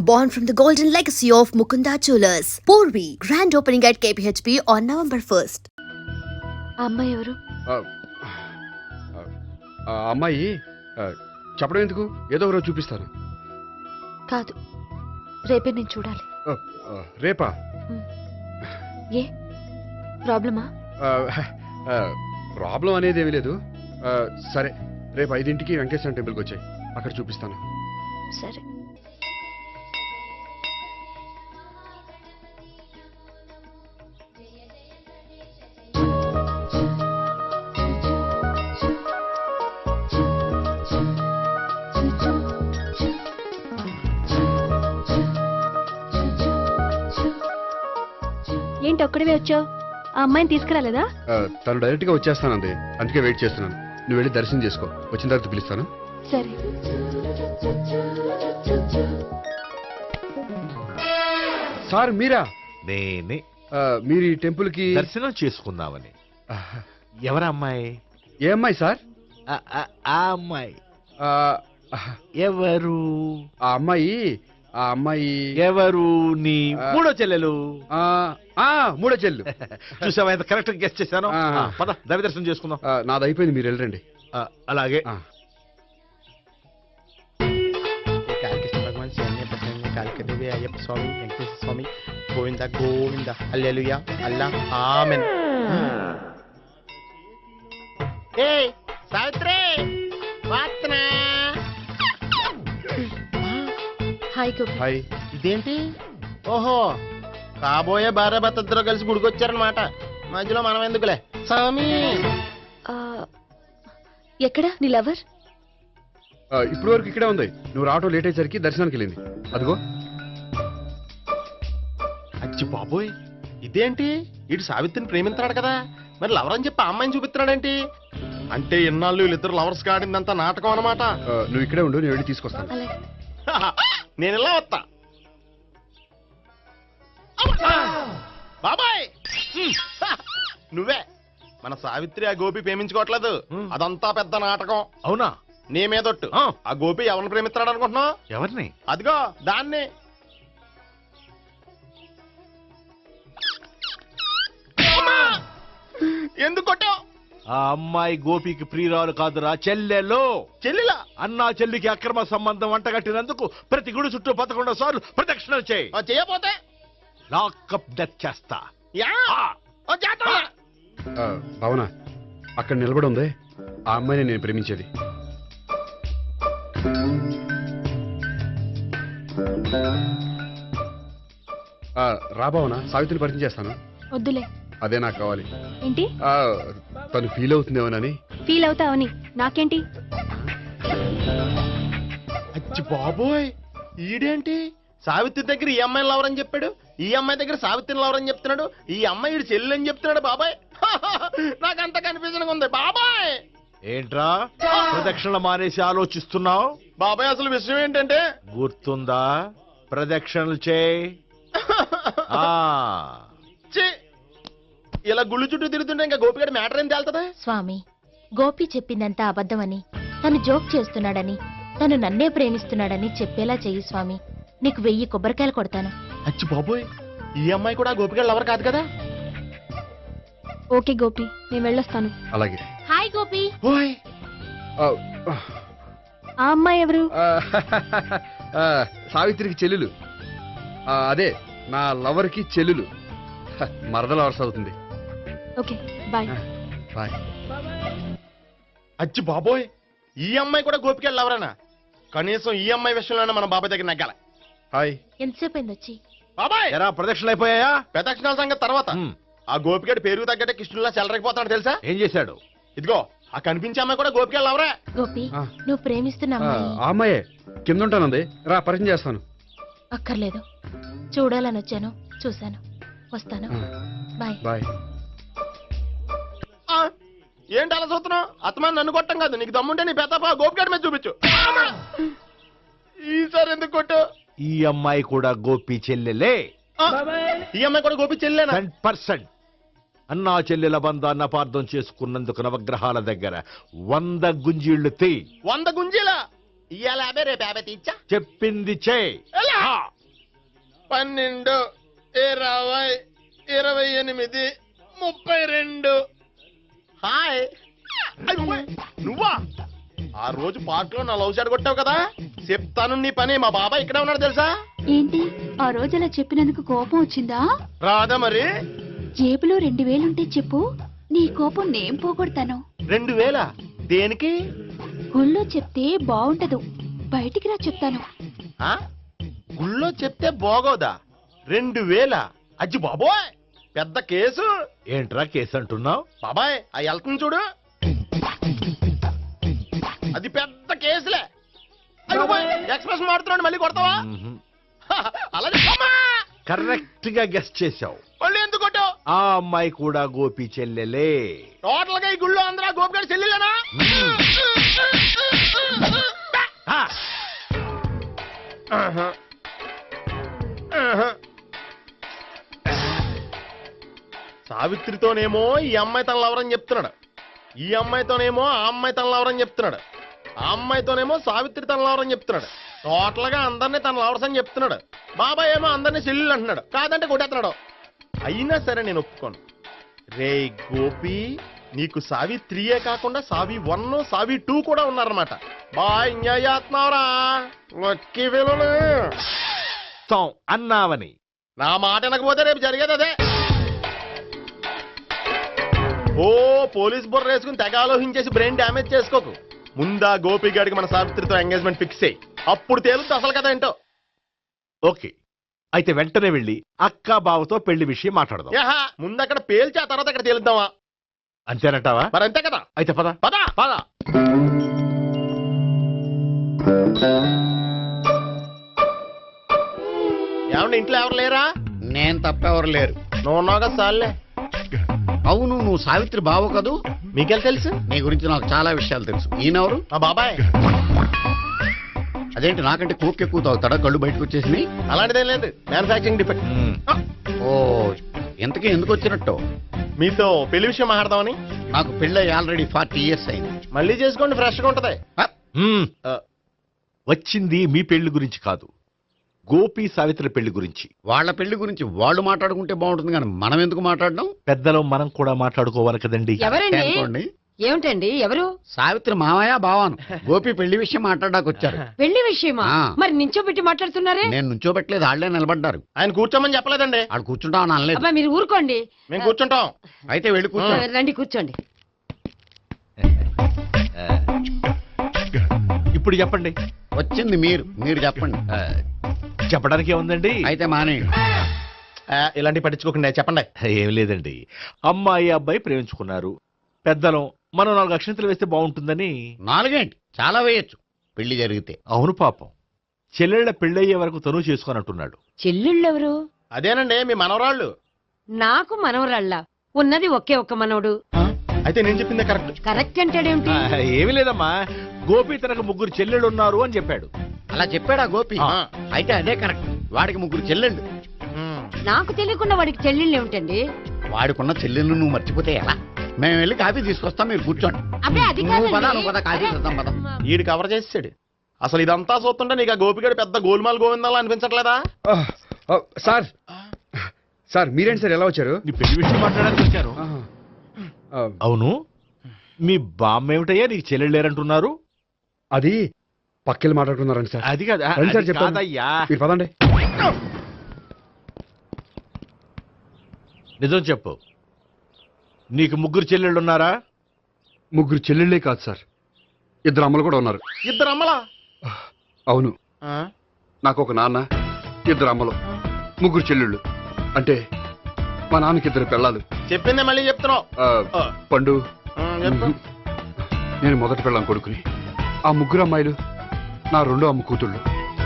born from the golden legacy of Mukunda Jewelers. Porvi, grand opening at KPHP on November 1st. ఆ అమ్మాయి ఎవరు? ఆ అమ్మాయి చెప్పడం ఎందుకు, ఏదో ఒకరోజు చూపిస్తాను. కాదు, రేపే నేను చూడాలి. రేపా? ఏ ప్రాబ్లమా? ప్రాబ్లం అనేది ఏమీ లేదు. సరే, రేపు 5ంటికి వెంకటేశ్వర టెంపుల్కి వచ్చాయి, అక్కడ చూపిస్తాను. సరే. ఏంటి ఒక్కడివే వచ్చావు? ఆ అమ్మాయిని తీసుకురాలేదా? తను డైరెక్ట్ గా వచ్చేస్తానంది, అందుకే వెయిట్ చేస్తున్నాను. నువ్వు వెళ్ళి దర్శనం చేసుకో, వచ్చిన తర్వాత పిలుస్తాను. సరే. సార్ మీరా? నేనే. మీరు ఈ టెంపుల్ కి దర్శనం చేసుకుందామని. ఎవరా అమ్మాయి? ఏ అమ్మాయి సార్? ఆ అమ్మాయి ఎవరు? ఆ అమ్మాయి ఎవరు? నీ మూడో చెల్లెలు. మూడో చెల్లు. చూసావా ఎంత కరెక్ట్ గెస్ట్ చేశాను. పద దైవ దర్శనం చేసుకుందాం. నాది అయిపోయింది, మీరు వెళ్ళండి. అలాగే. Kalikrishna Bhagavan Saranya Prasanna Kalikadevi Ayyappa Swamy Venkateswara Swamy Govinda Govinda hallelujah Allah amen. ఏయ్ సావిత్రి వాత్నా. హాయ్ గోపి. హాయ్. ఇదేంటి? ఓహో, కాబోయే భార్య భర్త ఇద్దరు కలిసి గుడికొచ్చారనమాట. మధ్యలో మనం ఎందుకులే స్వామి. ఆ, ఎక్కడ నీ లవర్? ఇప్పుడు వరకు ఇక్కడే ఉంది. నువ్వు రావటం లేట్ అయ్యేసరికి దర్శనానికి వెళ్ళింది. అదిగో. అచ్చి బాబోయ్, ఇదేంటి? ఇటు సావిత్రిని ప్రేమిస్తున్నాడు కదా, మరి లవర్ అని చెప్పి ఆ అమ్మాయిని చూపిస్తున్నాడేంటి? అంటే ఇన్నాళ్ళు వీళ్ళిద్దరు లవర్స్ కాడిందంతా నాటకం అనమాట. నువ్వు ఇక్కడే ఉండు, నేను వెళ్ళి తీసుకొస్తాను. అలాగే. నేను ఇలా వస్తా. బాబాయ్ నువ్వే మన సావిత్రి ఆ గోపి ప్రేమించుకోవట్లేదు, అదంతా పెద్ద నాటకం. అవునా? నీ మీదొట్టు. ఆ గోపి ఎవరిని ప్రేమిస్తున్నాడు అనుకుంటున్నావు? ఎవరిని? అదిగో దాన్ని. ఎందుకు కొట్టావు? ఆ అమ్మాయి గోపికి ప్రియురాలు కాదురా, చెల్లెలు. చెల్లిలా? అన్నా చెల్లికి అక్రమ సంబంధం వంటగట్టినందుకు ప్రతి గుడి చుట్టూ 11 సార్లు ప్రదక్షిణలు చేయి. చేయపోతే లాకప్ డెత్ చేస్తా. భావన, అక్కడ నిలబడి ఉంది ఆ అమ్మాయిని నేను ప్రేమించేది. రా భావన, సావిత్రిని పరిచయం చేస్తాను. వద్దులే. అదే నాకు కావాలి. ఏంటి? తను ఫీల్ అవుతుందేమోనని. ఫీల్ అవుతావని నాకేంటి? అచ్చి బాబోయ్, ఈడేంటి సావిత్రి దగ్గర ఈ అమ్మాయిని లవర్ అని చెప్పాడు, ఈ అమ్మాయి దగ్గర సావిత్రిని లవర్ అని చెప్తున్నాడు, ఈ అమ్మాయి ఈడు చెల్లి అని చెప్తున్నాడు. బాబాయ్ నాకంత కన్ఫ్యూజన్ ఉంది బాబాయ్. ఏంట్రా ప్రదక్షిణలు మానేసి ఆలోచిస్తున్నావు? బాబాయ్ అసలు విషయం ఏంటంటే, గుర్తుందా? ప్రదక్షిణలు చేయి. ఇలా గుళ్ళు చుట్టూ తిరుగుతుంటే ఇంకా గోపిగడ మ్యాటర్ ఏం తేలుతుందా? స్వామి, గోపి చెప్పిందంతా అబద్ధమని, తను జోక్ చేస్తున్నాడని, తను నన్నే ప్రేమిస్తున్నాడని చెప్పేలా చెయ్యి స్వామి. నీకు 1000 కొబ్బరికాయలు కొడతాను. అచ్చి బాబోయ్, ఈ అమ్మాయి కూడా గోపిగడ లవర్ కాదు కదా? ఓకే గోపి, నేను వెళ్ళొస్తాను. అలాగే. హాయ్ గోపి. ఓయ్ ఆ అమ్మాయి ఎవరు? సావిత్రికి చెల్లెలు. అదే నా లవర్కి చెల్లెలు. మరద లవర్స్ అవుతుంది. Okay bye. బాయ్. అచ్చి బాబోయ్, ఈ అమ్మాయి కూడా గోపిగడ లవరేనా? కనీసం ఈ అమ్మాయి విషయంలోనే మన బాబాయ్ దగ్గర నగ్గాల. హాయ్. ఎంతసేపు అయింది వచ్చి? బాబాయ్ ఎరా ప్రదక్షిణలు అయిపోయాయా? ప్రదక్షిణాల సంగతి తర్వాత. ఆ గోపిగడ పేరు తగ్గట్టే కృష్ణులా చెలరకపోతాడు తెలుసా? ఏం చేశాడు? ఇదిగో ఆ కనిపించే అమ్మాయి కూడా గోపిగడ లవరే. గోపి, నువ్వు ప్రేమిస్తున్న అమ్మాయి ఆ అమ్మాయే కింద ఉంటానంది, రా పరిచయం చేస్తాను. అక్కర్లేదు, చూడాలని వచ్చాను, చూశాను, వస్తాను. బాయ్. బాయ్. ఏంటి అలా చూస్తున్నావు? అత్తమా నన్ను కొట్టం కాదు, నీకు దమ్ముంటే నీ పెద్ద గోపిగడ మీద చూపించు. ఈసారి ఎందుకు కొట్టు? ఈ అమ్మాయి కూడా గోపి చెల్లెలే. ఈ అమ్మాయి కూడా గోపి చెల్లెనా? 100%. అన్నా చెల్లెల బంధాన్ని అపార్థం చేసుకున్నందుకు నవగ్రహాల దగ్గర 100 గుంజీళ్లు తీ. 100 గుంజీలా? ఇయ్యాల 50 రేపు 50 తీచ్చా. చెప్పింది చే. 12, 20, 28, 32. హాయ్. అయ్యో, నువ్వా? ఆ రోజు పార్క్ లో నా లవ్ షాట్ కొట్టావు కదా, చెప్తాను నీ పని. మా బాబాయ్ ఇక్కడే ఉన్నాడు తెలుసా? ఏంటి ఆ రోజు అలా చెప్పినందుకు కోపం వచ్చిందా? రాదా మరి? జేబులో 2000 ఉంటే చెప్పు, నీ కోపం నేను పోగొడతాను. 2000 దేనికి? గుళ్ళో చెప్తే బాగుంటదు, బయటికి రా చెప్తాను. ఆ? గుళ్ళో చెప్తే బాగోదా? 2000? అజ్జి బాబోయ్, పెద్ద కేసు. ఏంట్రా కేసు అంటున్నావు? బాబాయ్ ఆ వెళ్తుంది చూడు, అది పెద్ద కేసులే. ఎక్స్ప్రెస్ మాడుతున్నాడు, మళ్ళీ కొడతావా? అలా చెప్పమ్మా. కరెక్ట్ గా గెస్ట్ చేశావు. మళ్ళీ ఎందుకు కొట్టావు? ఆ అమ్మాయి కూడా గోపి చెల్లెలే. టోటల్ గా ఈ గుళ్ళో అందరూ గోపిగాడి చెల్లిలేనా? ఆ, సావిత్రితోనేమో ఈ అమ్మాయి తన లవరని చెప్తున్నాడు, ఈ అమ్మాయితోనేమో ఆ అమ్మాయి తన లవరని చెప్తున్నాడు, ఆ అమ్మాయితోనేమో సావిత్రి తన లవరని చెప్తున్నాడు. టోటల్ గా అందరినీ తన లవర్స్ అని చెప్తున్నాడు. బాబాయ్ ఏమో అందరినీ చెల్లెలు అంటున్నాడు, కాదంటే కొట్టేస్తున్నాడు. అయినా సరే నేను ఒప్పుకోను. రే గోపి, నీకు సావిత్రియే కాకుండా సావి 1, సావి 2 కూడా ఉన్నారన్నమాట. బాయ్ ఎంజాయ్ చేస్తున్నావురా లక్కీ ఫెలోలు. అన్నావని నా మాట వినకపోతే రేపు జరిగేది అదే. ఓ పోలీస్ బుర్ర వేసుకుని తెగ ఆలోచించేసి బ్రెయిన్ డ్యామేజ్ చేసుకోకు. ముందా గోపి గారికి మన సావిత్రితో ఎంగేజ్మెంట్ ఫిక్స్ అయ్యి, అప్పుడు తేలుతుంది అసలు కదా ఏంటో. ఓకే, అయితే వెంటనే వెళ్ళి అక్క బావతో పెళ్లి విషయం మాట్లాడదాం. యహా, ముందు అక్కడ పేల్చి ఆ తర్వాత అక్కడ తేలుద్దామా? అంతేనంటావా? మరి అంతే కదా. అయితే పద పద పద. ఏమండి ఇంట్లో ఎవరు లేరా? నేను తప్పెవరు లేరు. నువ్వు ఉన్నావు కదా సార్లే. అవును, నువ్వు సావిత్రి బావ కదూ? మీకెళ్ళి తెలుసు? నీ గురించి నాకు చాలా విషయాలు తెలుసు. ఈయనెవరు? మా బాబాయ్. అదేంటి, నాకంటే కోక్ ఎక్కువ తాగుతాడా? కళ్ళు బయటకు వచ్చేసినాయి. అలాంటిదేం లేదు, మ్యానుఫాక్చరింగ్ డిఫెక్ట్. మ్మ్. ఓ, ఇంతకీ ఎందుకు వచ్చినట్టు? మీతో పెళ్లి విషయం మాట్లాడదామని. నాకు పెళ్ళి ఆల్రెడీ 40 years అయింది. మళ్ళీ చేసుకోండి, ఫ్రెష్ గా ఉంటది. మ్మ్. వచ్చింది మీ పెళ్లి గురించి కాదు, గోపి సావిత్రి పెళ్లి గురించి. వాళ్ళ పెళ్లి గురించి వాళ్ళు మాట్లాడుకుంటే బాగుంటుంది, కానీ మనం ఎందుకు మాట్లాడడం? పెద్దలో మనం కూడా మాట్లాడుకోవాలి కదండి. ఎవరండి? అనుకోండి. ఏమిటండి ఎవరు? సావిత్రి మామయ్య బావాను. గోపి పెళ్లి విషయం మాట్లాడడానికి వచ్చారు. పెళ్లి విషయమా? ఆ. మరి నించోబెట్టి మాట్లాడుతున్నారే? నేను నుంచోబెట్టలేదు, వాళ్ళే నిలబడ్డారు. ఆయన కూర్చోమని చెప్పలేదండి. వాళ్ళు కూర్చుంటామని అనలేదు. అబ్బా మీరు ఊరుకోండి. మేము కూర్చుంటాం. అయితే వెళ్ళి కూర్చో. రండి కూర్చోండి. ఇప్పుడు చెప్పండి. వచ్చింది మీరు చెప్పండి. చెప్పడానికి ఏముందండి? అయితే మానేయండి. ఇలాంటి పట్టించుకోకుండా చెప్పండి. ఏం లేదండి, అమ్మాయి అబ్బాయి ప్రేమించుకున్నారు. పెద్దలం మనం 4 అక్షంతలు వేస్తే బాగుంటుందని. 4 ఏంటి, చాలా వేయొచ్చు పెళ్లి జరిగితే. అవును పాపం, చెల్లెళ్ళ పెళ్ళయ్యే వరకు తను చేసుకోనంటున్నాడు. చెల్లెళ్ళెవరు? అదేనండి మీ మనవరాళ్ళు. నాకు మనవరాళ్ళ ఉన్నది ఒకే ఒక్క మనవడు. అయితే నేను చెప్పిందే కరెక్ట్. కరెక్ట్ అంటాడేమిటి? ఏమీ లేదమ్మా, గోపి తనకు 3 చెల్లెళ్ళు ఉన్నారు అని చెప్పాడు. అలా చెప్పాడా గోపి? ఆ. అయితే అదే కరెక్ట్. వాడికి 3 చెల్లెళ్ళు. నాకు తెలియకుండా వాడికి చెల్లెళ్ళు ఏమిటండి? వాడికున్న చెల్లెళ్ళు నువ్వు మర్చిపోతే ఎలా? మేము వెళ్ళి కాఫీ తీసుకొస్తాం, మీరు కూర్చోండి. అబ్బే అది నువ్వు పద, కాదండి. నువ్వు పద, కాఫీ చేద్దాం పద. ఈడు కవర్ చేసాడు. అసలు ఇదంతా చూస్తుంటే నీకు ఆ గోపిగడు పెద్ద గోల్మాల్ గోవిందాలు అనిపించట్లేదా? సార్ సార్ మీరేంటి సార్ ఎలా వచ్చారు? నీ పెళ్లి విషయం మాట్లాడడానికి వచ్చాను. అవును, మీ బామ్మ ఏమిటయ్యా నీకు చెల్లెళ్ళు లేరంటున్నారు? అది పక్కెళ్ళి మాట్లాడుకున్నారండి సార్. అది కాదా? రండి సార్ అది చెప్తాను. కాదయ్యా. మీరు పదండి. నిజం చెప్పు, నీకు 3 చెల్లెళ్ళు ఉన్నారా? 3 చెల్లెళ్ళే కాదు సార్, 2 అమ్మలు కూడా ఉన్నారు. 2 అమ్మలా? అవును, నాకు ఒక నాన్న, 2 అమ్మలు, 3 చెల్లెళ్ళు. అంటే మా నాన్నకి 2 పిల్లలు. చెప్పిందే మళ్ళీ చెప్తున్నావు. పండు, చెప్పు. నేను మొదటి పిల్లం కొడుకుని. ఆ 3 అమ్మాయిలు నా 2వ అమ్మ కూతుళ్ళు.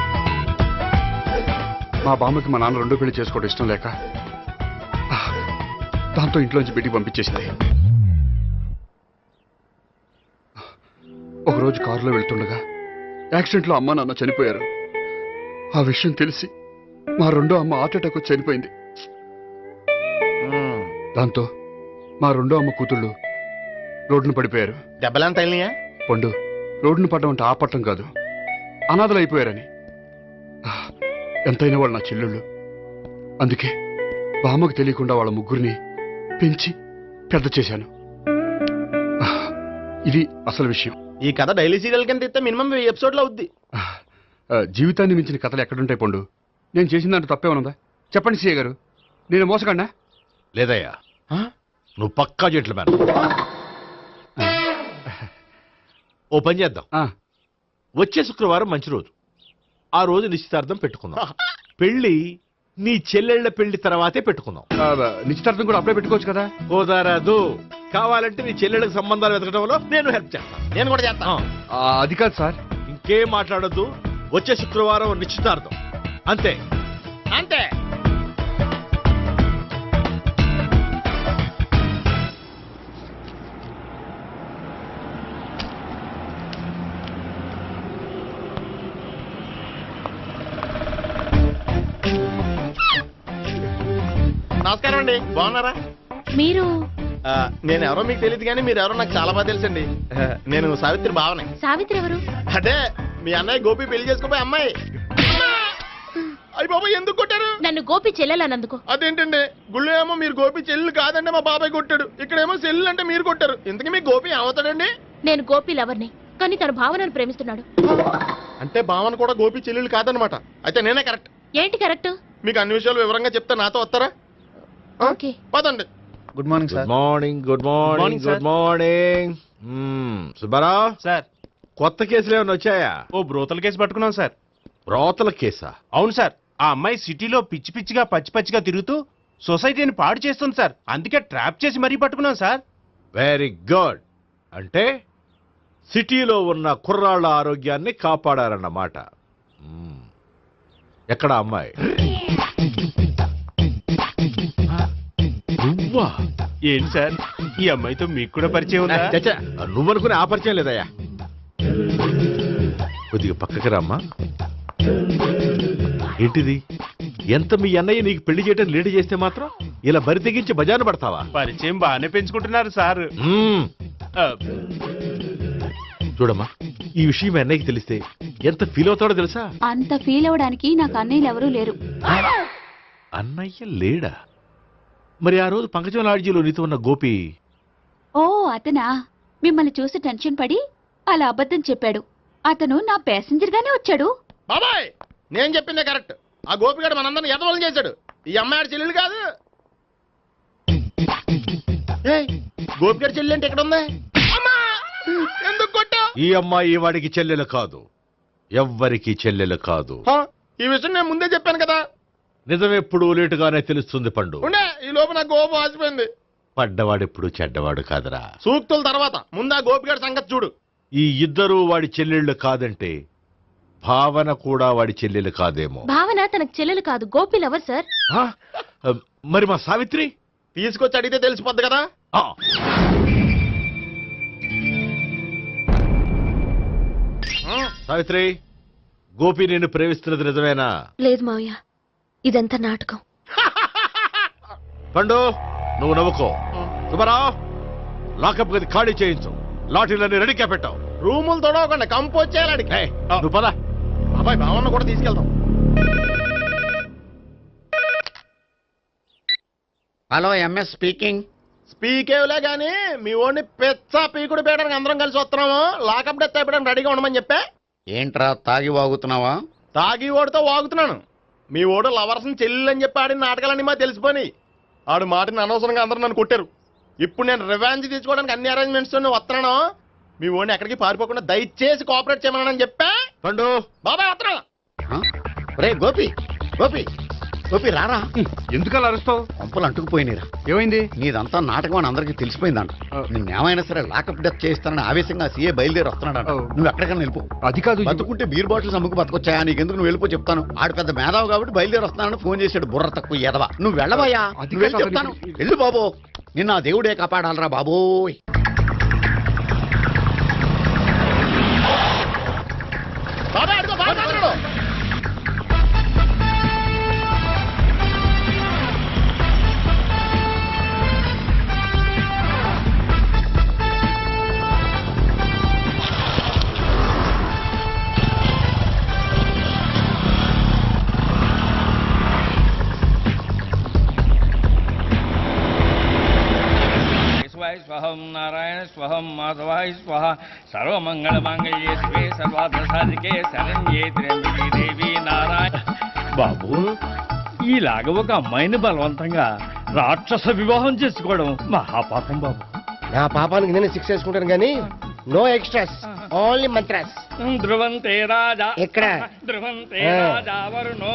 మా బామ్మకి మా నాన్న 2వ పెళ్లి చేసుకోవడం ఇష్టం లేక దాంతో ఇంట్లోంచి బిడ్డికి పంపించేసింది. ఒకరోజు కారులో వెళ్తుండగా యాక్సిడెంట్లో అమ్మ నాన్న చనిపోయారు. ఆ విషయం తెలిసి మా 2వ అమ్మ హార్ట్ అటాక్ వచ్చి చనిపోయింది. దాంతో మా 2వ అమ్మ కూతుళ్ళు రోడ్డును పడిపోయారు. దెబ్బలంత తగిలినాయా? పండు, రోడ్డును పడ్డం అంటే ఆపట్టం కాదు, అనాథలు అయిపోయారని. ఎంతైనా వాళ్ళు నా చెల్లెళ్ళు, అందుకే బామ్మకు తెలియకుండా వాళ్ళ ముగ్గురిని పెంచి పెద్ద చేశాను. ఇది అసలు విషయం. ఈ కథ డైలీ సీరియల్ కింద ఇస్తే మినిమం 1000 ఎపిసోడ్లు అవుద్ది. జీవితాన్ని మించిన కథలు ఎక్కడుంటాయి పండు? నేను చేసిన దాంట్లో తప్పే ఉన్నదా? చెప్పండి సీఏ గారు, నేను మోసకండా? లేదయ్యా, నువ్వు పక్కా జెంట్లమ్యాన్. ఓ పని చేద్దాం, వచ్చే శుక్రవారం మంచి రోజు. ఆ రోజు నిశ్చితార్థం పెట్టుకుందాం. పెళ్లి నీ చెల్లెళ్ల పెళ్లి తర్వాతే పెట్టుకుందాం. నిశ్చితార్థం కూడా అప్పుడే పెట్టుకోవచ్చు కదా? కుదరదు. కావాలంటే నీ చెల్లెళ్ళకి సంబంధాలు వెతకడంలో నేను హెల్ప్ చేస్తాను. నేను కూడా చేస్తాను. అది కాదు సార్. ఇంకేం మాట్లాడొద్దు. వచ్చే శుక్రవారం నిశ్చితార్థం, అంతే. అంతే. నమస్కారం అండి, బాగున్నారా? మీరు నేను ఎవరో మీకు తెలియదు కానీ మీరు ఎవరో నాకు చాలా బాగా తెలుసండి. నేను సావిత్రి బావనే. సావిత్రి ఎవరు? అదే మీ అన్నయ్య గోపి పెళ్లి చేసుకోపోయి అమ్మాయి. అయ్యి బాబాయ్, ఎందుకు కొట్టారు? నన్ను గోపి చెల్లెలన్నందుకు. అదేంటండి, గుళ్ళు ఏమో మీరు గోపి చెల్లు కాదంటే మా బాబాయ్ కొట్టాడు, ఇక్కడేమో చెల్లు అంటే మీరు కొట్టారు. ఇంతకీ మీ గోపి ఏమవుతాడండి? నేను గోపి లవర్ని, కానీ తన భావనను ప్రేమిస్తున్నాడు. అంటే భావన కూడా గోపి చెల్లెలు కాదనమాట. అయితే నేనే కరెక్ట్. ఏంటి కరెక్ట్? మీకు అన్ని విషయాలు వివరంగా చెప్తే నాతో వస్తారా? ఓకే, పదండి. Good morning sir. Good morning. Good morning. Subbarao sir, కొత్త కేసులు ఏమైనా వచ్చాయా? ఓ బ్రోతల కేసు పట్టుకున్నాం సార్. బ్రోతల కేసా? అవును సార్, ఆ అమ్మాయి సిటీలో పిచ్చి పిచ్చిగా పచ్చిగా తిరుగుతూ సొసైటీని పాడు చేస్తుంది సార్. అందుకే ట్రాప్ చేసి మరీ పట్టుకున్నాం సార్. Very good. అంటే సిటీలో ఉన్న కుర్రాళ్ళ ఆరోగ్యాన్ని కాపాడారన్నమాట. ఎక్కడ అమ్మాయి? నువ్వా? ఏంటి సార్, ఈ అమ్మాయితో మీకు కూడా పరిచయం ఉందా? చచ్చా, నువ్వనుకునే ఆ పరిచయం లేదయ్యా. కొద్దిగా పక్కకి రామ్మా. ఏంటిది? ఎంత మీ అన్నయ్య నీకు పెళ్లి చేయటం లేట్ చేస్తే మాత్రం ఇలా బరి తెగించి బజారు పడతావా? పరిచయం బాగానే పెంచుకుంటున్నారు సార్. చూడమ్మా, ఈ విషయం మీ అన్నయ్యకి తెలిస్తే ఎంత ఫీల్ అవుతాడో తెలుసా? అంత ఫీల్ అవడానికి నాకు అన్నయ్యలు ఎవరూ లేరు. అన్నయ్య లేడా? మరి ఆ రోజు పంకజం లాడ్జీలో నీతో ఉన్న గోపి? ఓ అతనా? మిమ్మల్ని చూసి టెన్షన్ పడి అలా అబద్ధం చెప్పాడు. అతను నా ప్యాసింజర్ గానే వచ్చాడు. బాబాయ్, నేను చెప్పిందే కరెక్ట్. ఆ గోపిగాడు మనందరిని ఎదవలం చేశాడు. ఈ అమ్మాయి చెల్లెలు కాదు. గోపిగాడి చెల్లెలు అంటే ఎక్కడ ఉంది? ఎందుకు కొట్టా? ఈ అమ్మాయి వాడికి చెల్లెలు కాదు, ఎవ్వరికి చెల్లెలు కాదు. ఈ విషయం నేను ముందే చెప్పాను కదా. నిజమెప్పుడు లేటుగానే తెలుస్తుంది పండు. ఉండే, ఈ లోపు నాకు గోపు ఆసిపోయింది. పడ్డవాడెప్పుడు చెడ్డవాడు కాదురా. సూక్తుల తర్వాత ముందు ఆ గోపిగాడి సంగతి చూడు. ఈ ఇద్దరూ వాడి చెల్లెళ్ళు కాదంటే భావన కూడా వాడి చెల్లెలు కాదేమో. భావన తనకు చెల్లెలు కాదు, గోపి లవర్ సార్. మరి మా సావిత్రి? తీసుకొచ్చి అడిగితే తెలిసిపోద్ది కదా. సావిత్రి, గోపి నేను ప్రేమిస్తున్నది నిజమేనా? లేదు మావయ్య, ఇదంతా నాటకం. పండు, నువ్వు నవ్వుకో. సుబ్బారావు, లాకప్ గది ఖాళీ చేయించు. లాఠీలన్నీ రెడీగా పెట్టావు. రూములు తొడవకుండా కంపోజ్ చేయాలి. నువ్వు పద. అబ్బాయి, భావన కూడా తీసుకెళ్తాం. Hello, MS speaking. స్పీకేవ్లే గానీ మీ ఓడిని పెచ్చ పీకుడు పేయడానికి అందరం కలిసి వస్తున్నాము. లాకప్ డెత్ అయిపోయడానికి రెడీగా ఉండమని చెప్పే. ఏంట్రా తాగి వాగుతున్నావా? తాగి ఓడితో వాగుతున్నాను. మీ ఓడు లవర్స్ని చెల్లెని చెప్పి ఆడిన నాటకాలన్నీ మా తెలిసిపోయి ఆడు మాటని అనవసరంగా అందరూ నన్ను కొట్టారు. ఇప్పుడు నేను రివెంజ్ తీసుకోవడానికి అన్ని అరేంజ్మెంట్స్ వస్తున్నాను. మీ ఓడిని ఎక్కడికి పారిపోకుండా దయచేసి కోఆపరేట్ చేయమని చెప్పా. పండు, బాబాయ్ వస్తున్నా. రే గోపి, గోపి, గోపి రారా. ఎందుకలా అరుస్తావు? పంపులు అంటుకుపోయినరా. ఏమైంది? నీదంతా నాటకం అని అందరికీ తెలిసిపోయిందంట. నిన్నేమైనా సరే లాకప్ డెత్ చేయిస్తానని ఆవేశంగా సీఏ బయలుదేరి వస్తున్నాడంట. నువ్వు ఎక్కడికైనా వెళ్ళిపో. అది కాదు. బతుకుంటే బీర్ బాటిల్స్ అమ్ముకు బతకొచ్చాయా? నీకెందుకు? నువ్వు వెళ్ళిపో చెప్తాను. ఆడు పెద్ద మేధావు కాబట్టి బయలుదేరి వస్తున్నానని ఫోన్ చేశాడు. బుర్ర తక్కువ ఎదవా. నువ్వు వెళ్ళవయ్యా. నువ్వు వెళ్ళి చెప్తాను. వెళ్ళు బాబో. నిన్న ఆ దేవుడే కాపాడాలరా బాబోయ్. బాబాయ్ అడుగు, బాబాయ్ అడుగు. స్వహం మాధవాయ స్వహ సర్వమంగళ మాంగళ్యే శివే సర్వార్థ సాధికే శరణ్యే త్ర్యంబకే దేవి నారాయణ. బాబు, ఇలాగ ఒక అమ్మాయిని బలవంతంగా రాక్షస వివాహం చేసుకోవడం మహాపాపం బాబు. నా పాపానికి నేను శిక్ష వేసుకుంటాను కానీ నో ఎక్స్ట్రాస్, ఓన్లీ మంత్రాస్. ధ్రువంతే రాజా ఎక్కడ? ధ్రువంతే రాజా వరుణో.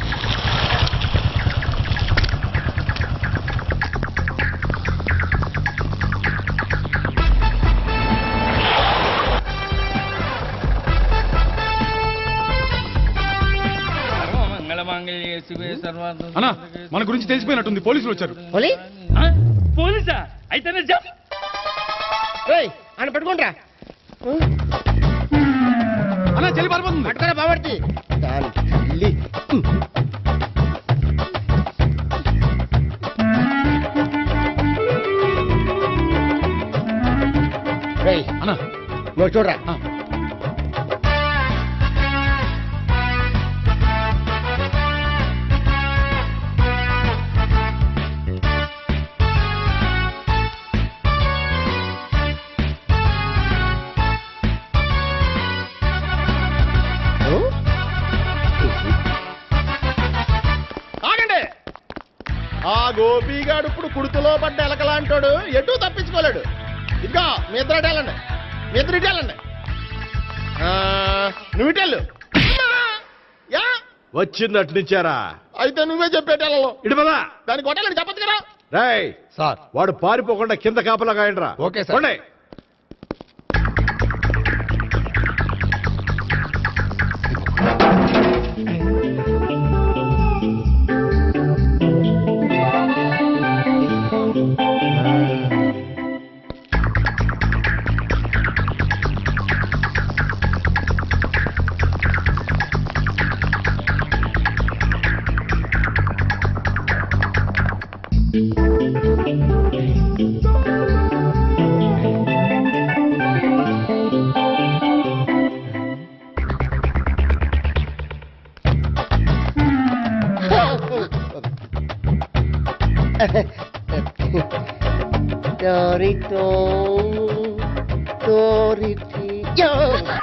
సర్వమంగళమాంగళ్యే శివే సర్వార్థ. అన్నా, మన గురించి తెలిసిపోయినట్టుంది, పోలీసులు వచ్చారు. ఆ? పోలీసా? అయితేనే జప్. అని పెట్టుకుంటా అన్నా, చెల్లి పారిపోతుంది. పట్టుకురా బాబర్తి దాని తల్లి. అన్నా, నువ్వు చూడరా. ఆగండి. ఆ గోపిగాడు ఇప్పుడు కుడుతులో పడ్డ ఎలకలాంటాడు, ఎటు తప్పించుకోలేడు. ఇదిగో మీ ఇద్దరు అటు వెళ్ళండి, మీ ఇద్దరు ఇటు వెళ్ళండి. నువ్వు ఇటు వెళ్ళు. యా వచ్చింది అటు నుంచారా? అయితే నువ్వే చెప్పేటెళ్ళలో ఇటు పదా. దానికి కొట్టాలని చెప్పచ్చు కదా. రేయ్ సార్. వాడు పారిపోకుండా కింద కాపలా కాయండిరా. Okay sir. పోండి. Dorito, Doriti.